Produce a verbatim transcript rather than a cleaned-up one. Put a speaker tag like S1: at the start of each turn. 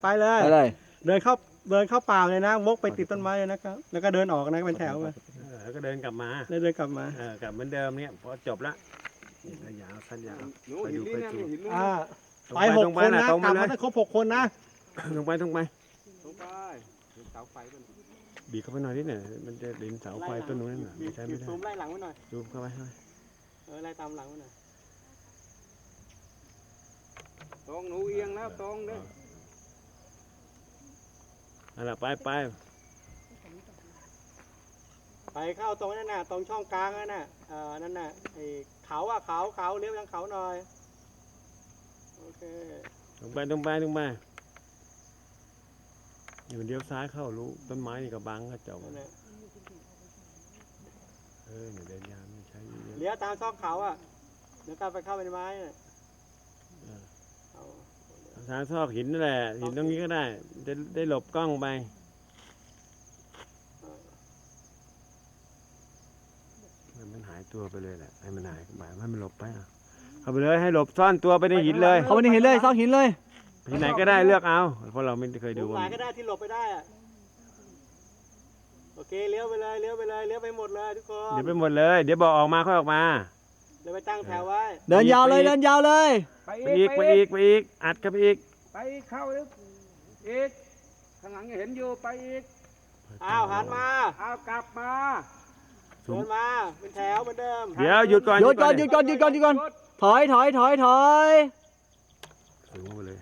S1: ไปเลย
S2: ไปเลย
S1: เดินเข้าเดินเข้าป่าเลยนะวกไปติดต้นไม้เลยนะครับแล้วก็เดินออกนะเป็นแถวไป
S3: เออแล้วก็เดินกลับมา
S1: แล้วเดินกลับมา
S3: เออกลับเหมือนเดิมเนี่ยพอจบละนี่ระยะสั้นยาว
S4: หนู
S3: ไป
S4: หิ
S3: ดู
S4: น
S3: ไป
S4: นี่นะ
S3: ดู
S4: หินนู่น
S1: อ่า
S3: ตรง
S1: ไป
S3: ไป
S1: ห
S3: ต
S1: ก
S3: รงไป
S1: คน
S3: นะ
S1: นะ
S3: ตรง
S1: ก
S3: ไป
S1: ลับ
S3: เล
S1: มาย ได้ครบหกคนนะ
S3: ตรงไปตรงไป
S4: ลงไปเห็นเสาไฟมัน
S3: บีบเข้าไปหน่อยนิดหน่อยมันจะดินเสาไฟต้นนู้นน่ะ
S1: บี
S3: ไม่
S1: บ
S3: ใช่
S1: บี
S3: ไม่
S1: บ
S3: ได้
S1: ซูมไล่หลังไว้หน่อย
S3: ซูมเข้าไปเข้าไป
S1: เออไล่ตามหลังไว้หน่อย
S4: ตรงหนูเอียงแล้วตรงเด้อ
S3: เอาล่ะไปไป
S1: ไปเข้าตรงนั่นน่ะตรงช่องกลางนั่นน่ะเออนั่นน่ะไอ้เขาอะเขาเขาเลี้ยวทางเขาหน่อยโอเค
S3: ตรงไปตรงไปตรงไปอยู่เลี้ยวซ้ายเข้ารู้ต้นไม้นี่ก็บังก็จบ
S1: นั่นน่ะ
S3: เออเนี่ยเดินยาวไม่ใช้เยอะ
S1: เลี้ยวตามซอกเขาอะเดี๋ยวกลับไปเข้าไปในไม้น่ะเอา
S3: ทางซอกหินนั่นแหละหินตรงนี้ก็ได้ได้ได้หลบกล้องไปมันหายตัวไปเลยแหละให้มันหายไปให้มันหลบไปอ่ะเข้าไปเลยให้หลบซ่อนตัวไปในหินเลย
S2: เขาไม่ได้เห็นเลยซอกหินเลย
S3: ที่ไหนก็ได้เลือกเอาเพราะเราไม่เคย
S1: ดู
S3: ดู
S1: หมายก็ได้ที่หลบไปได้อะโอเคเลี้ยวไปเลยเลี้ยวไปเลยเลี้ยวไปหมดเลยทุกคน
S3: เดี๋ยวไปหมดเลย เดี๋ยวบอกออกมาค่อยออกมา
S1: เดี๋ยวไปตั้งแถวไว้
S2: เดินยาวเลยเดินยาวเลย
S4: ไป
S3: ไป
S4: อี
S3: อี
S4: ก
S3: กไปอีกไปอีกอัดกันไปอีก
S4: ไปเข้าลึกอีกข้างหลังยังเห็นอยู่ไปอีก
S1: อ้าวหันมา
S4: เอากลับมา
S1: เดินมาเป็นแถวเหมือนเดิม
S3: เดี๋ยวหยุดก่อน
S2: หยุดก่อนหยุดก่อนหยุดก่อนหยุดก่อนถอยถอยถอยถอย
S3: สูงไปเลย